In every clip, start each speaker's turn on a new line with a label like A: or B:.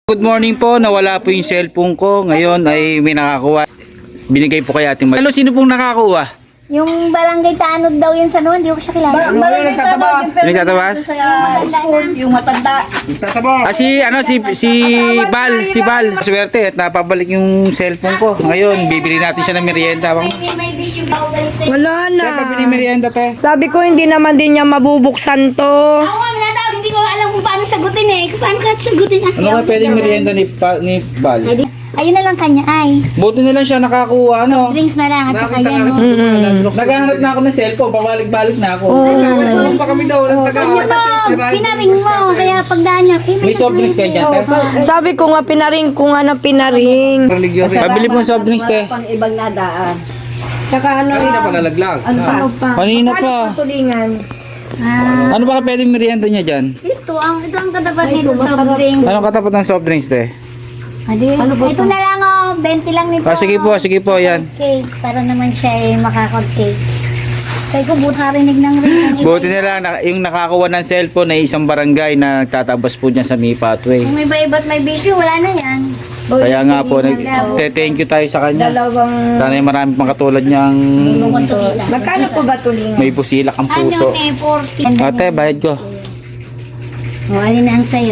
A: Good morning po, nawala po yung cellphone ko. Ngayon ay may nakakuha. Binigay po kay Ating Hello, sino pong nakakuha?
B: Yung barangay Tanod daw yun sa noon, hindi ko siya kilala.
C: Barangay Tanod,
A: Nagtatabas?
C: yung matanda.
A: Si Bal. Swerte at napabalik yung cellphone ko. Ngayon, bibili natin siya ng merienda.
B: May bisyo ba ako balik sa'yo?
D: Wala na.
A: Kaya pabili merienda, te.
D: Sabi ko hindi naman din niya mabubuksan to.
B: Ako nga, minatawag, hindi ko alam kung paano sagutin eh. Kung paano ka sagutin ate.
A: Ano ka pwedeng merienda ni Bal?
B: Ayun na lang kanya ay.
A: Buti na lang siya nakakuha, ano?
B: Drinks na lang at saka yan. No?
A: Naghahanap na ako ng cellphone, pabalik-balik na ako.
C: Pa kami daw ng taga.
B: Ano mo, pinaring mo, kaya pagdaan niya.
A: May soft drinks kayo dyan, te?
D: Sabi ko nga pinaring ko nga na pinaring.
A: Pabili po ng soft drinks, te.
C: Pang ibang nadaan.
D: Saka ano
C: Kanina pa nalaglag.
D: ano pa?
A: Kanina pa.
D: Tulingan.
A: Ano ba ka pwedeng merienda niya dyan?
B: Ito ang katapat nito soft drinks.
A: Anong katapat ng soft drinks, te?
B: Ito na lang oh, 20 lang nito.
A: Sige po, yan.
B: Cake, para naman siya ay makakot-cake. Sabi ko, buti rinig ng ring.
A: Buti na lang, yung nakakuha ng cellphone ay isang barangay na nagtatabas po dyan sa May Pathway.
B: Kung may iba't may bisyo, wala na yan.
A: Kaya nga po, thank you tayo sa kanya.
D: Dalawang.
A: Sana yung marami pang katulad niyang
D: Magkano po ba tulingan?
A: may pusilak ang
B: Ano
A: puso.
B: eh, 40.
A: Ate, bayad ko.
B: O, alin na ang sayo?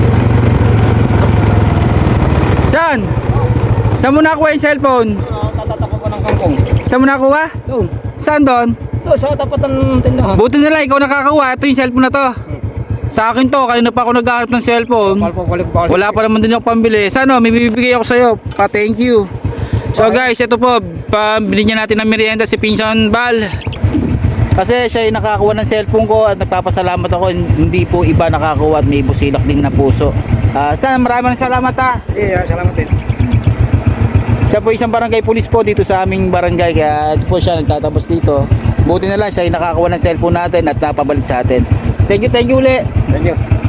A: Saan? Saan mo nakuha yung cellphone?
C: Tatatako ko ng kangkong.
A: Saan mo nakuha?
C: Doon.
A: Saan doon?
C: Doon sa tapat ng tindahan.
A: Buti na lang, ikaw nakakakuha. Ito yung cellphone na to. Sa akin to, kanina pa ako naghahanap ng cellphone. Wala pa naman din ako pambili. Sana may bibigay ako sa'yo. Thank you. So guys, ito po, binigyan natin ng merienda si Pinsan Bal. Kasi siya yung nakakuha ng cellphone ko at nagpapasalamat ako. Hindi po iba nakakuha at may busilak din na puso. Sana maraming salamat ha.
C: Yeah, salamat din.
A: Siya po isang barangay police po dito sa aming barangay. Kaya po siya nagtatabas dito. Buti na lang siya yung nakakuha ng cellphone natin at napabalik sa atin. Thank you uli.
C: Thank you.